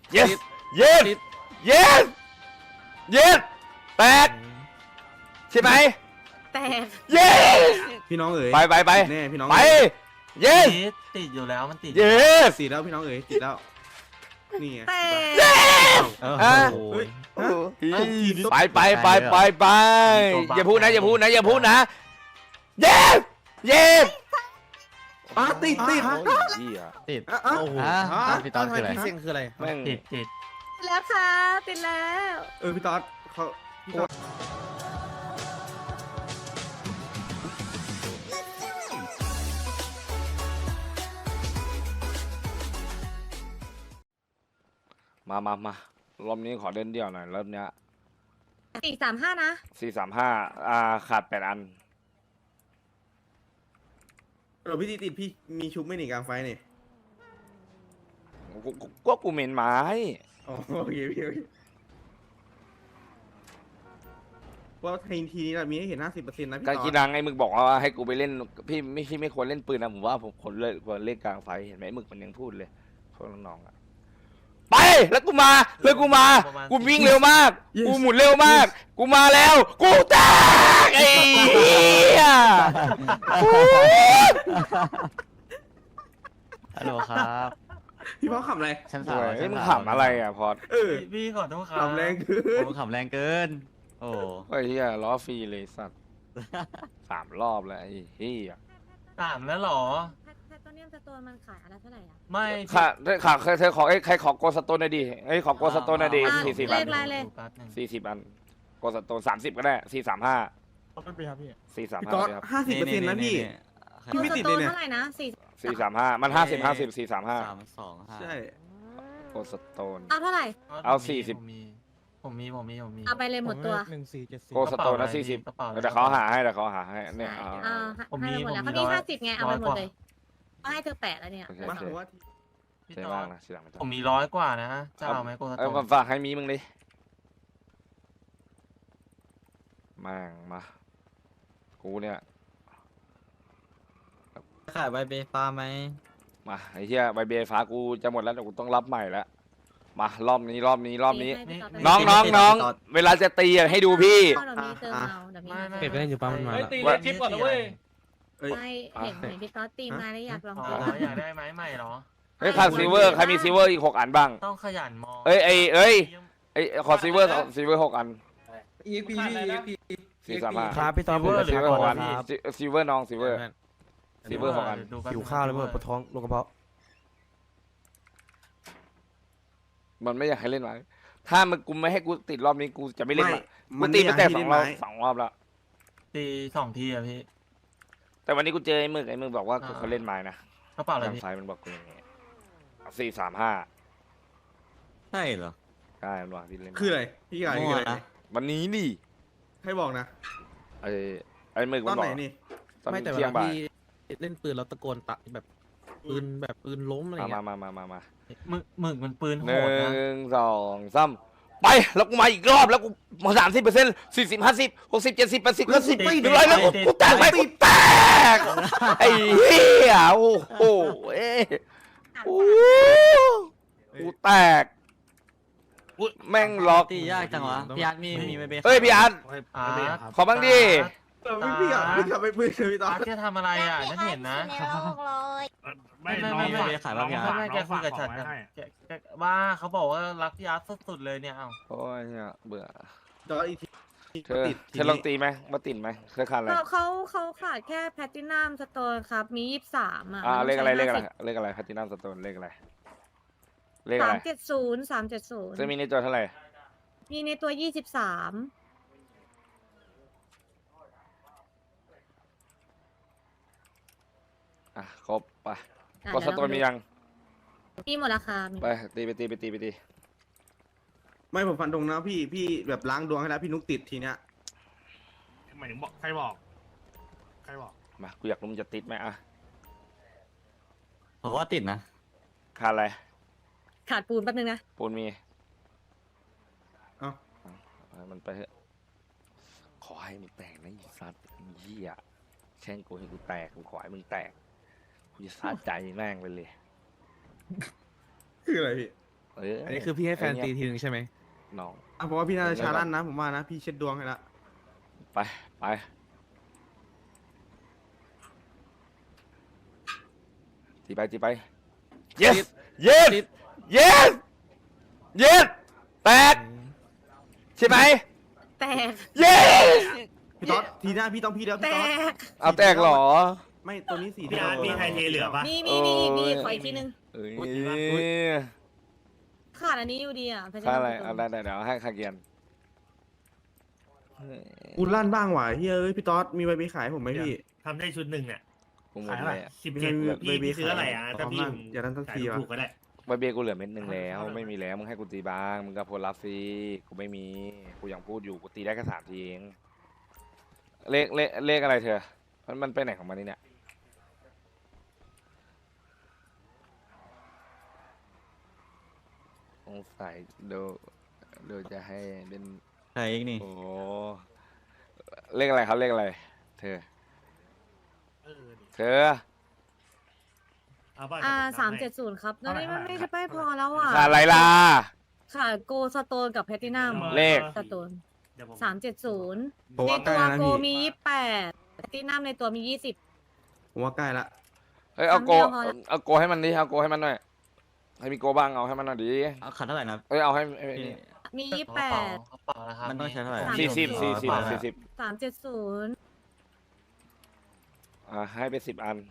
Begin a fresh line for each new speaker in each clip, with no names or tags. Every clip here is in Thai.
yes yes yes yes แตกใช่ไหม
แตก
yes
พี่น้องเอ๋ย
ไป
แน่พี่น้อง
ไป
เอ๋ย
yes
ติดอยู่แล้วมันติด
yes
ติดแล้วพี่น้องเอ๋ยติดแล้วนี่ไง
แตก
อ่ะ
เฮ้ย
ไปอย่าพูดนะyes yes
ติด
เหี้ย
ติด
โอ้โห
พี่ตอนคืออะไร
พี่เซ็งคืออะไร
แม่ง
ติด
แล้วค่ะติดแล้ว
พี่ต๊อดเขาพี่ต๊อด
มารอบนี้ขอเล่นเดี่ยวหน่อยรอบเนี้ย
435นะ
435ขาด8 อัน
พี่ติดพี่มีชุบไม่หนีกลางไฟนี่
กูเหม็นไม้
อ๋อโอเคพี่ว่าทีนี้เรามีให้เห็น 50%นะพี่
การ
ต๊อ
กี
ด
ดังไอ้มึกบอกว่าให้กูไปเล่นพี่ไม่ควรเล่นปืนนะผมว่าผมควรเล่นกลางไฟเห็นไหมมึกมันยังพูดเลยพวกน้องๆอะไปแล้วกูมากูวิ่งเร็วมากกูหมุนเร็วมากกูมาแล้วกูแตกไอ้เหี้ย
ฮัลโหลครับ
พี่พ่อขำอะไร
ชั้น
โอ้
สาม
ยเฮ้ยมึงขำอะไรอ่ะพอด
พี่ขอโทษครับ
ขำแรงคือ
ผมขำแรงเกิน โอ้
ไอ้เหี้ยล้อฟรีเลยสัตว์3 รอบแล้วไอ้เหี้ย
3แล้วเหรอ
แพตโตเนียมสโตนมันขายอันละเท่าไหร่อ่ะ
ไม่
ค่ะเธอขอใครขอโกสโตนหน่อยดิขอโกสโตนหน่อยดิ40 อัน 40 อันโกสโตน30ก็ได้435
เขาเป็นปีครับพี่
พี่
435
ต๊อด
ครับ
50%นะพี่ พี่ไม่ติดเลยเนี่ย
เท่าไหร่นะ
435มัน50 435
325
ใช่
โกสโตน
เอาเท่าไหร่
เอา40
ผมมี
เอาไปเลยหมดตัว
1474
โกสโตนนะ40แต่เขาหาให้เนี่ยเอา
ให้หมดแล้วเขามี50ไงเอาไปหมดเลยเอาให้เธอ8แล้วเนี่ย
โอเค
มาผมว่า
พี่
ใช่
ต่อ
บ้างนะทีหลังไม่ต้
ผ
อง
มมี100 กว่านะจะเอาไหมโกสโต
เอาฝากให้มีมึงดิมากูเนี่ย
ขายใบเบฟ้าไหม
มาไอ้เหี้ยใบเบฟ้ากูจะหมดแล้วแต่กูต้องรับใหม่แล้วมารอบนี้น้องเวลาจะตีให้ดูพี่
เดี๋ยวมีเติมเอาเดี๋ยวมี
เก็บไปเล่นอยู่ปั๊มมันมา
ตีเลยทิปก่อนนะเว้ย
ไม่เห็นพี่ต๊อดตีมาแล้วอยากลอง
อ๋อ
ตี
อยากได้ไม้ใหม่เหรอ
ขาดซิลเวอร์ใครมีซิลเวอร์อีก6 อันบ้าง
ต้องขยันมอง
ขอซิลเวอร์6 อัน
EXP
435
ครับพี่ตอนผม
ซิลเวอร์6 อัน
ครับ
ซิลเวอร์น้องซิลเวอร์6 อัน
หิวข้าวเลยเมื่อปวดท้องลงกระเพาะ
มันไม่อยากให้เล่นหรอกถ้ามึงกูไม่ให้กูติดรอบนี้กูจะไม่เล่น
ไม่
ละกู
มัน
ตีไปแต่
ไม่อยากให้
2 รอบแล้ว
ตี2 ทีอะพี่
แต่วันนี้กูเจอไอ้มึกบอกว่าเขาเล่นไม้นะ
กระเป๋าอะไร
ทาง
พี่
ไฟมันบอกกูอย่างงี้435
ใช่เหรอ
ใช่มันบอกที่เล่น
คืออะไรพี่กายคืออะไร
วันนี้นี่
ให้บอกนะ
ไอ้มึก
ต
มั
อน
นบอ
ไหน
ก
นี่
ตอน
ไม่แต่เว
เที่ย
ลาง
บ่าย
พี่เล่นปืนเราตะโกนตะแบบปืนล้มอะไร
มา
เงี้ย
มา
หมึกมันปืนโห
หนึ่
ดนะ
งสองสามไปแล้วกูมาอีกรอบแล้วกูมา30% 40 50 60 70 80 90 100แล้วกูแตกไปกูแตกไอ้เหี้ยโอ้โหกูแตกแม่งล็อก
ตียากจังวะพี่อาร์ตมีใบเบ
เฮ้ยพี่อาร์ต
อาร์ต
ขอบ้างดิ
พี่กลับไปปืนเลยพี่ต๊อ
อา
ด
ร์ตจะทำอะไรอ่ะฉันเห็นนะ
ไม่ เบขายบ้างพี่อาร์ต
ไม่แกคุยกับฉันแกว่าเขาบอกว่ารักพี่อาร์ตสุดๆเลยเนี่ยเอ้า
โอ้ยเนี่ยเบื่อ
ต๊อดอีกที
เธอลองตีไหมมาติดไหมเคยขาดอะไร
เขาขาดแค่แพตตินัมสโตนครับมี23อ่ะ
เลขอะไรแพทินัมสโตนเลขอะไร
370
จะมีในตัวเท่าไหร่
มีในตัว23
ครบไปก็สโตนมียัง
มีหมดราคา
ไปตี
ไม่ผมฟันตรงนะพี่แบบล้างดวงให้แล้วพี่นุกติดทีเนี้ย
หมายถึงบอกใครบอก
มากูอยากรู้มึงจะติดไหมอ่ะ
ผมว่าติดนะ
ขาดอะไร
ขาดปูนแป๊บนึงนะ
ปูนมี
เอ้า
มันไปเถอะขอให้มึงแตกนะไอ้สัตว์ไอ้เหี้ยแช่งกูให้กูแตกกูขอให้มึงแตกกูจะสะใจแม่งไปเลย
คืออะไรพี่
อันนี้คือพี่ให้แฟนตีทีนึงใช่ไหม
น้อง
อ่ะเพราะว่าพี่น่าจะชาลั่นนะผมว่านะพี่เช็ดดวงให้ละ
ไปไปตีไปตีไป yes yes yes yes แตกใช่ไหม
แตก
yes
พี่ต๊อดทีหน้าพี่ต้องพี่แล้ว
แต
พี่ต๊อด
ก
เอาแตกเหรอ
ไม่ตัวนี้สี
พี่อาร์ตมีไทยเทเหลือปะ
มีขออีกทีนึง
เอ้ย
ขาดอันนี้อยู่ดีอ่ะ
ค่าอะไรเอาได้เดี๋ยวให้ค่าเกียน
กูลั่นบ้างว่ะเฮ้ยพี่ต๊อดมีใบเบขายผมไหมพี่
ทำได้ชุดหนึ่งเนี่ย
กูหม
ขา
ด
ย
เล
เท่าไหร่
ยอะ
17พี่ซื้ออะไรอ่ะถ้าพี่
อย่าลั่นสัก
ขาย
ทีวะ
ถูกก็ได้
ใบเบี้ยกูเหลือเม็ดหนึ่งแล้ว ไม่มีแล้วมึงให้กูตีบ้างมึงก็โพลรับสิกูไม่มีกูยังพูดอยู่กูตีได้แค่3 ทีเองเลขอะไรเธอมันไปไหนของมันนี่เนี่ยสงสัยเดี๋ยวจะให้เล่น
ใครอีกนี่
โอ้เลขอะไรครับเลขอะไร เธอ
เอาป่ะ
370ครับแล้วนี่มันไม่ใช่ไม่พอแล้วอ่ะ
ขาดอะไรล่ะ
ขาดโกสโตนกับแพลตินัม
เลข
สโตน
เดี๋ยวผม
370
ผม
ใน
ว่าใก
ตั
ล้ว นะ
โก
พี่
มี28แพลตินัมในตัวมี20
ผมว่าใกล้ละ
เฮ้ยเอาโก
ครั้งเดียวพอละ
เอาโกให้มันดิเอาโกให้มันหน่อยให้มีโกบ้างเอาให้มันหน่อยดิ
เอาขัดเท่าไหร่นะ
เอ้ยเอาให้
พี่
นี่
มี
กระเป๋านะครับ
มันต้องใช้เท่าไหร่
40
370
ให้ไป10 อัน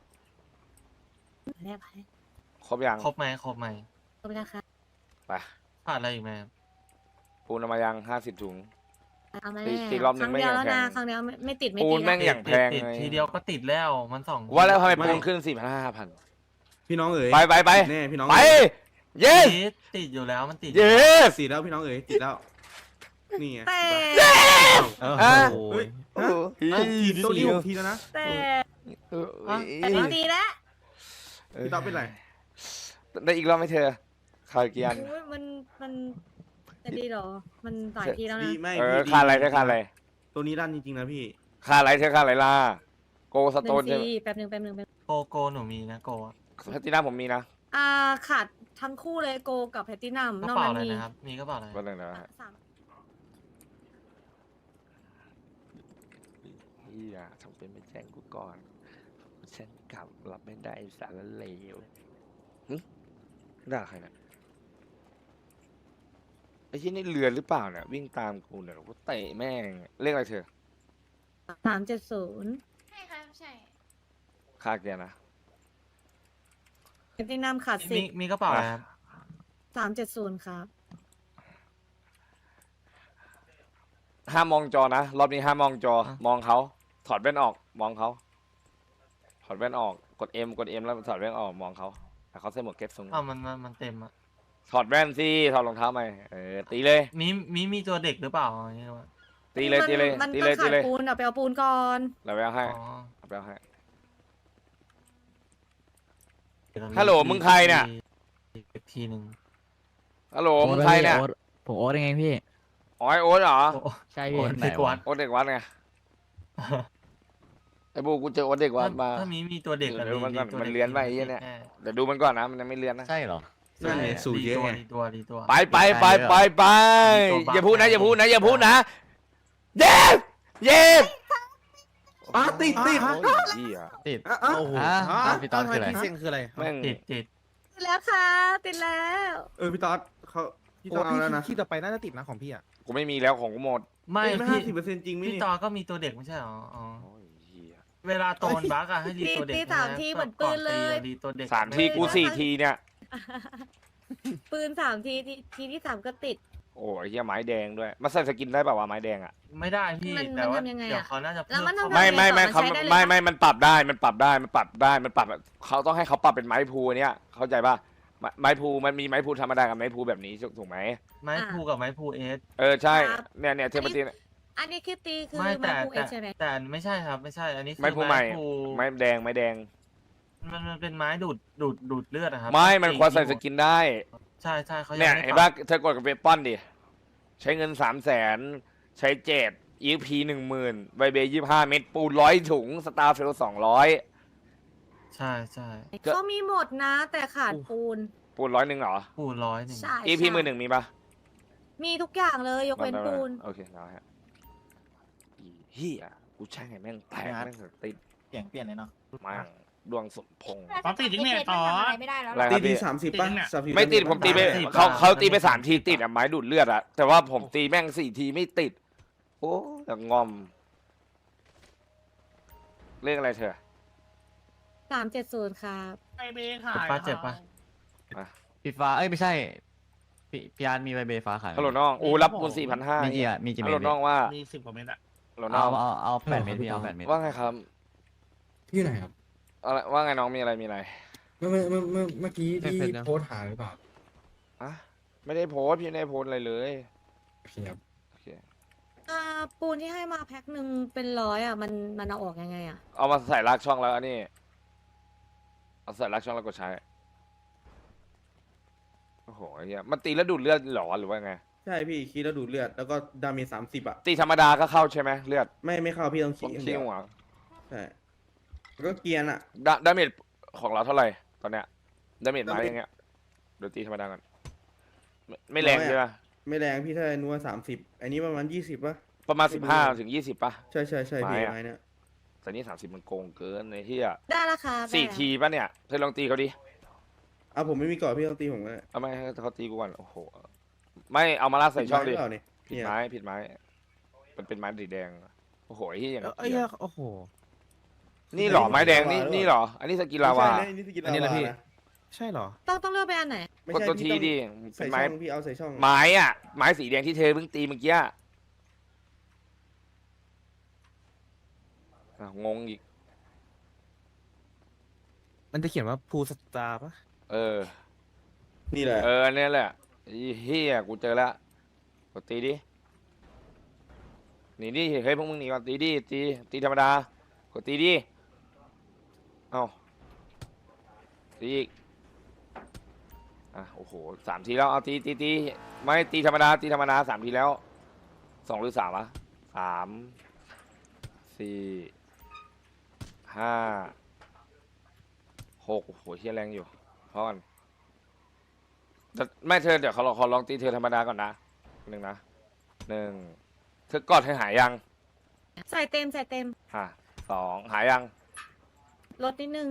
แรกไป
ครบยัง
ครบไหมครบไหม
ครบแล้วค่ะ
ไป
ขาดอะไรอีกไหมครับ
ปูนเอามายัง50 ถุง
เอามา
ตี
แน่
ตีรอบหนึ่
ครั้
ง
ง
ไม่
เดียว
อย่าง
แล้วนะ
แพง
ครั้งเดียวไม่ติดไม่
ปู
ติ
น
ด
แม่ง
นะ
อย่างแพง
ติด
เลย
ทีเดียวก็ติดแล้วมันสอง
ว่าแล้วทำไม
ไม่
ปูนขึ้น5,000
พี่น้องเอ๋ย
ไป
แน่พี่น้อง
ไป
เอ๋ย
yes
ติดอยู่แล้วมันติด
yes
สีแล้วพี่น้องเอ๋ยติดแล้วนี่ไง
แต่
เออ
อ่ะ
โอ้
เฮ้
ย
ย
โอ้โห
ตัวนี้6 ทีแล้วนะ
แต่
เออ
แต่ไม่ดีแล้ว
พี่ต๊อดเป็นไร
ได้อีกรอบไหมเธอขาดกี่อัน
โอ้ยมันจะดีเหรอ มันหลายทีแล้ว
ดี
นะ
ไม่
เออ
พี่
ขาดอะไรเธอขาดอะไร
ตัวนี้ลั่นจริงๆนะพี่
ขาดอะไรเธอขาดอะไรล่ะโกสโตน
1
ใช่ไหม
ทีแป๊บหนึง
โกหนูมีนะโกอะ
แพลตินัมผมมีนะ
ขาดทั้งคู่เลยโกกับแพลตินัม
กระ
นอก
เป๋า
นั้น
อะไร
มี
นะครับ มีกระเป๋าอะไร
ก็เลยนะฮะ
สาม
เฮียทำเป็นไม่แจ้งกูก่อนฉันกลับรับไม่ได้สารเลวหึด่าใครเนี่ยไอ้ที่นี่เรือหรือเปล่าเนี่ยวิ่งตามกูเนี่ยกูเตะแม่งเรียกอะไรเธอ
370
ใช่ครับใช่
ค่าเกียร์นะ
แพลตินัมขาด
มีกระเป๋าอะไรครับ
10 370ครับ
ห้ามมองจอนะรอบนี้ห้ามมองจอ มองเขาถอดแว่นออกมองเขาถอดแว่นออกกด M แล้วถอดแว่นออกมองเขาแต่เขาใส่หมวกเก็ตสูง
อ้าวมันเต็มอ่ะ
ถอดแว่นสิถอดรองเท้าไหมตีเลย
มีตัวเด็กหรือเปล่าอย่างเงี้ยวะ
ตีเลยตีเลย
มัน
ตี
ต้
เล
อย ง
ตี
ขาด
เลย
ปูนเอาไปเอาปูนก่อน
เราไปเอาให้
อ๋อ
เอาไปเอาให้
เดี๋ยวเรา
ฮัลโหลมึงใครเนี่ย
อีกทีหนึ่ง
ฮัลโหลมึงใครเนี่ย
ผมโอ๊ตยังไงพี่
อ๋อไอโอ๊ตเหรอ
โอ้
ใช่
โห
พี่
เด็กวัด
โอ๊ตเด็กวัดไงไอ้บูกูเจอโอ๊ตเด็กวัดมา
ถ้ามีตัวเด็กอะ
เดี๋ยวมันก่อน
ตัว
มัน
ด็ก
เรียนไว้ไอ้เหี้ยเนี่ย เดี๋ยวดูมันก่อนนะมันยังไม่เรียนนะ
ใช่เหรอ
นั่นไงสูตรเยอะไง
ดีตัว
ไปไปไปไปไป
ตัวบ้า
อย่าพูดนะอย่าพูดนะอย่าพูดนะเย้เย้
ติด
โอ้ยเหี้ย
ติด
โอ้โห
พี่ตอนคืออะไร
พี่เซ็งคืออะไร
แม่ง
ติด
ติดแล้วค่ะติดแล้ว
พี่ต๊อดเขาพี่
โอ้
ต้องเอา
พี่
แล้วนะ
ที่ต่อไปน่าจะติดนะของพี่อ่ะ
กูไม่มีแล้วของกูหมด
ไม่
ไม่
พี่
50%จริงไหม
พี่
นี่
ตอก็มีตัวเด็กไม่ใช่เหรออ๋อ
โอ้ยเหี้ย
เวลาโตนบักอะให้รีตัวเด็ก
ตี3 ทีเหมือนปืนเลย
รีตัวเด็ก
3 ทีกู4 ทีเนี่ย
ปืน3 ทีทีที่ 3 ก็ติด
โอ้ยเหี้ยไม้แดงด้วยมาใส่สกินได้เปล่าวะไม้แดงอ่ะ
ไม่ได้พี่
มัน
แต่ว่า
ทำยังไงอะ
เดี๋ยวเขาน่าจะ
แล้วมันทำ
ไม่
ไง
ไม่
ต่อ
เขา
มันใช้ได้เลย
ไม่
ปะ
ไม่มันปรับได้มันปรับได้มันปรับได้มันปรับเขาต้องให้เขาปรับเป็นไม้พูเนี้ยเข้าใจป่ะไม้พูมันมีไม้พูธรรมดากับไม้พูแบบนี้ถูกไหม
ไม้พูกับไม้พูเอส
ใช่
ครับ
เนี่ยเทมเปอร์ตีน
อันนี้คือตีคือ
ไม่
มา
แต่
คูเอ
แต่
ใช่ไหม
แต่ไม่ใช่ครับไม่ใช่อันนี้คือ
ไม้พูใหม่
พู
ไม้แดงไม้แดง
มันเป็นไม้ดูดเลือดอะครับ
ไม่มันควรใส่สกินได้
ใช่เขายัง
เนี่ย
ไม่
เห็น
ปรั
ป่ะ
บ
เธอกดกับเวปอนดิใช้เงิน300,000ใช้เจ็ด EP 10,000ใบเบย์25 เม็ดปูน100 ถุงสตาร์เฟล200
ใช่
เขามีหมดนะ แต่ขาดปูน
ปูน100เหรอ
ปูน100
ใช่
EP
ใช่
10,000มีปะ
มีทุกอย่างเลยยกเว้นปูน
โอเคเอาฮะอีเฮียกูแช่งให้แม่งแตกแม่งติด
เปลี่ยนเลยเนาะ
แม่งดวงสมพงษ์
ตอนติดจริงเนี่ยต่อ
ทำอะไรไม่ได้แล้ว
อะไร
หรอ
ครับ
ตี
พี่
30ป่ะ
ไม่ติดผมตีไปเขาตีไป3 ทีติดอะไม้ดูดเลือดอะแต่ว่าผมตีแม่ง4 ทีไม่ติด โอ้แต่งอมเรื่องอะไรเธอ
370ครับ
ไอเบขาย
เจ็บปะ
ปีฟ้าเอ้ยไม่ใช่พี่อาร์ตมีใบเบฟ้าขายไหม
ฮัลโหลน้องโอ้รับปูน4,500
มีกี่อ่ะมีกี่
ฮั
เม
ล
ต
โหล
ร
น้องว่า
มี10 กว่าเมตรอะ
ฮัลโหลน้อง
เอา8 เมตรพี่เอา8 เมตร
ว่าไงครับ
ที่ไหนครับ
อะไรว่าไงน้องมีอะไร
เมื่อกี้ที่โพสต์หาหรือเปล่า
อะไม่ได้โพสต์พี่ไม่ได้โพสต์อะไรเลย
โอเคครับ
โอเค
ปูนที่ให้มาแพ็คหนึ่งเป็น100อ่ะมันเอาออกยังไงอ่ะ
เอามาใส่ลักช่องแล้วอันนี้เอาใส่ลักช่องแล้วกดใช้โอ้โหไอ้เหี้ยมันตีแล้วดูดเลือดเหรอหรือว่าไง
ใช่พี่คีแล้วดูดเลือดแล้วก็ดาเมจ30อ่ะ
ตีธรรมดาก็เข้าใช่ไหมเลือด
ไม่เข้าพี่ต้อง
ต้
คี
อง
อย่าง
ขี้
เดียว
หัว
ใช่แล้วก็เกียร์อ่ะ
ดาเมจของเราเท่าไหร่ตอนเนี้ยดาเมจไม้อย่างเงี้ยเดี๋ยวตีธรรมดาก่อนไม่แรงใช่ไหม
ไม่แรงพี่ถ้านัว30อันนี้ประมาณ20ป่ะ
ประมาณ15 ถึง 20ป่ะ
ใช่พี่
ไม้อะ
ไม้เนี่ย
แต่นี่30มันโกงเกินไอ้เหี้ย
ได้ราคา
4 ทีป่ะเนี่ยเธอลองตีเขาดิ
เอาผมไม่มีก่อนพี่ต้องตีผมก็ได้
เอาไม่ให้เขาตีกูก่อนโอ้โหไม่เอามาลากใส่ช่องดิ
ผิไม้หรืเปล่าเนี่ย
ผิดไม้ผิดไม้มันเป็นไม้สีแดงโอ้โหไอ้เหี้ยอย่าง
เอ้ย
เหี้ย
โอ้โห
นี่เหรอไม้แดงนี่เหรอ อันนี้สกิลลาวา
ไม่ใช่นะนี่สกิล
อันนี้แหละ
ลาวา
พี่
นะ
ใช่เหรอ
ต้องเลือกไปอันไหน
ไม่
กด
ใช่
ตัว
พี่
ที
ต้อง
ดิ
ใส่
เป็น
ช่
ไม้
องพี่เอาใส่ช่อง
ไม้อะไม้สีแดงที่เธอเพิ่งตีเมื่อกี้อะอ่ะงงอีก
มันจะเขียนว่าภูสตาร์ปะ
เออ
นี่แหละ
เอออันนี้แหละไอ้เฮียกูเจอแล้วกดตีดิหนีดิเฮ้ยพวกมึงหนีก่อนตีดิตีธรรมดากดตีดิเอาตีอีกอ่ะโอ้โห3 ทีแล้วเอาตีไม่ตีธรรมดา3 ทีแล้ว2 หรือ 3วะ3 4 5 6โอ้โหเฮียแรงอยู่พอกันไม่เธอเดี๋ยวขอลองตีเธอธรรมดาก่อนนะ1 นะเธอกอดเธอหายยัง
ใส่เต็ม
2หายยัง
ลดนิดนึง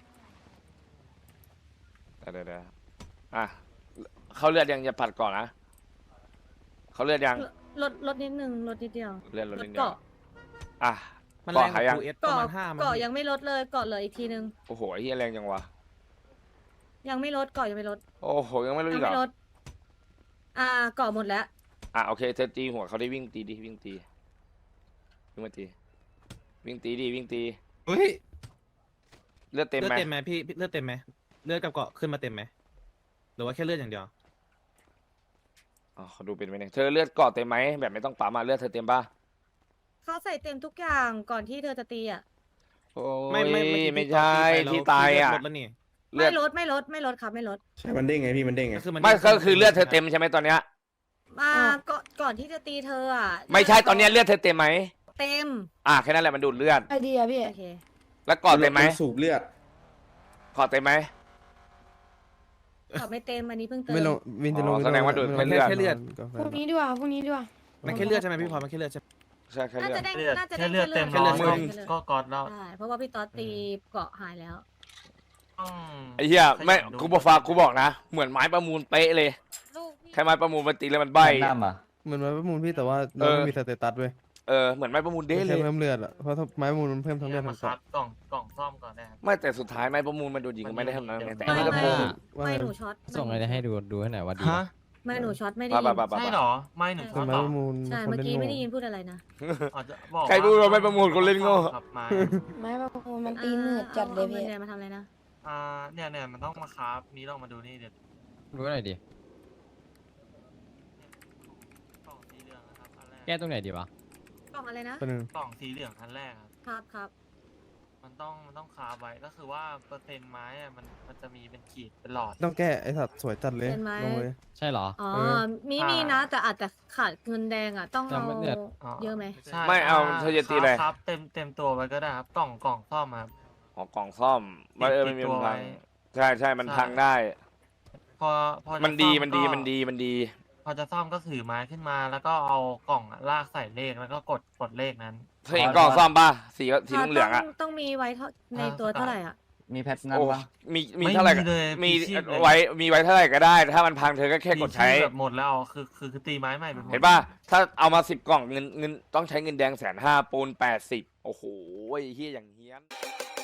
เดี๋ยวอ่ะเขาเลือดยังอย่าผัดก่อนนะเขาเลือดยัง
ลดนิดนึงลดนิดเดียว
เลือดลด
ลด
นิดเดียว
เกาะ
อ่ะ
มัน
เกาะ
แรงก
หาย
ว่า
ยัง
ภูเอสประมาณ5มัน
เกาะยังไม่ลดเลยเกาะเหลืออีกทีนึง
โอ้โหไอ้เฮียแรงจังวะ
ยังไม่ลดเกาะยังไม่ลด
โอ้โหยังไม่รู้
ยั
อีกเหร
ไม่
อ
ลดเกาะหมดแล้ว
อ่ะโอเคเธอตีหัวเขาได้วิ่งตีดิวิ่งมาตีวิ่งตี
เฮ้ย
เลือดเต็ม
เลือด
ไหม
เต็มไหมพี่เลือดเต็มไหมเลือดกับเกาะขึ้นมาเต็มไหมหรือว่าแค่เลือดอย่างเดียว
อ๋อเขาดูเป็นไหมเนี่ยเธอเลือดเกาะเต็มไหมแบบไม่ต้องปั๊มมาเลือดเธอเต็มป่ะ
เขาใส่เต็มทุกอย่างก่อนที่เธอจะตีอ่ะ
โอ้
ไม่
ไม่ใช่ที่ตายอ่ะ
ลดแล้วนี่
เลือด
ไม่ลดครับไม่ลด
ใช่มันเด้งไงพี่มันเด้งไง
ไม่ก็คือเลือดเธอเต็มใช่ไหมตอนเนี้ย
ก่อนที่จะตีเธออ่ะ
ไม่ใช่ตอนเนี้ยเลือดเธอเต็มไหม
เต็ม
แค่นั้นแหละมันดูดเลือด
ไอเดียพี่โอเค
แล้วเกาะเต็มไหม
สูบเลือด
เกาะเต็มไหม
เกาะไม่เต็มอันนี้เพิ่งเติม
ไม่ลงวินจะลง
อ๋อแสดงว่าดูดไม่เลือด
แค่เลือด
ก็
พรุ่งนี้ดีกว่าพรุ่งนี้ดีกว่า
มันแค่เลือดใช่ไหมพี่พลอยมันแค่เลือดใช่ไหม
ใช่แค่
น่า
เลือ
จะ
ด
ได้
เลือด
น่าจะ
แค่
ได้
เลือดเต็ม
แค่เลือด
ร้อยก็กอดแล้ว
ใช่เพราะว่าพี่ต๊อดตีเกาะหายแล้ว
ไอ้เหี้ยไม่
ขยันดู
กูบอกฝากกูบอกนะเหมือนไม้ประมูลเป๊ะเลย
ลูกพี่
แค่ไม้ประมูลมันตีแล้วมันใบ
น้ำอ่ะ
เหมือนไม้ประมูลพี่แต่ว่าเราไม่มีสเตตัสเว้ย
เหมือนไม้ประมูลเด้
ไม่
เล
ใช่
ย
เพิ่มเลือดอ่ะเพราะถ้าไม้ประมูลมันเพิ่มทั้งเลือด
มา
ทั้ง
คั
เกาะ
ดกล่องซ่อมก่อนนะครับ
ไม่แต่สุดท้ายไม้ประมูลมันโดนยิงก็ไม่ได้ทำนั้นไงแต่อัน
ไม่
นี้ก็
ไม่
โกง
ไม่หนูช็อต
ส่งอะไรให้ดูให้หน่อยว่าดี
ฮะ
ไม่หนูช็อตไม่ได้
บ้า
ยิน
บ้าบ้า
ใช่เหรอ ไม่หนึ่ง
เป็นไม้
ต่อ
ประมูล
ใช่
คน
เมื่อ
เล่น
กี้
โง่
ไม่ได้ยินพูดอะไรนะ
อาจจะบอก
ใครพูดว่าไม่ประมูลคนเล่นโง่
ครับมา
ไม้ประมูลมันตีมืดจัดเลย
อา
พี่
เงินมาทำอะไรนะ
เนี่ยมันต้องมาครับนี้ลองมาดูนี่เดี๋ยว
ดูหน่อยดิ
กล่องสีเหลืองนะครับอันแรก
แก้ตรงไหนดีวะ
กล่องอะไรนะ
ตัวหนึง
กล่องสีเหลืองอันแรกครับ
ครับ
มันต้องคาบไว้ก็คือว่าเปอร์เซ็นต์ไม้อะมันจะมีเป็นขีดเป็นหลอด
ต้องแก้ไอ้สัตว์สวยจัดเลยลงเลย
ใช่เหรอ
อ๋อ
เออ
มีนะ แต่อาจจะขาดเงินแดงอ่ะ ต้อง
ยัง
เอา
ไม่เนี่ย
เยอะไหม
ใช่
ไม่เอาเธอจะตีอะไร
ครับเต็มตัวไว้ก็ได้ครับกล่องซ่อมครับ
อ๋อกล่องซ่อมมันไม่มี
ติดตัว
มันพัง
ไว้
ใช่มันพังได้
เพราพอจะ
มันดี
ซ่อ
มันดี
ก็
มันดีมันดี
พอจะซ่อมก็ถือไม้ขึ้นมา แล้วก็เอากล่องอะลากใส่เลขแล้วก็กดเลขนั้น
เธอเห็นกล่องซ่อมป่ะสีเหลืองๆอ่ะ
ต้องมีไว้ในตัวเท่าไหร่อ่ะ
มีแพทนั้น
โอ้
ปะ
มีเท่าไหร่ก็
เลย
มี
พีชีพเลย
ไว้เท่าไหร่ก็ได้ ถ้ามันพังเธอก็แค่กดใช้
มีชื่อแบบหมดแล้วคือตีไม้ใหม่ไปหมด
เห็นป่ะ ถ้าเอามา10 กล่องเงินต้องใช้เงินแดง150,000ปูน80โอ้โหเฮี้ยอย่างเฮี้ยน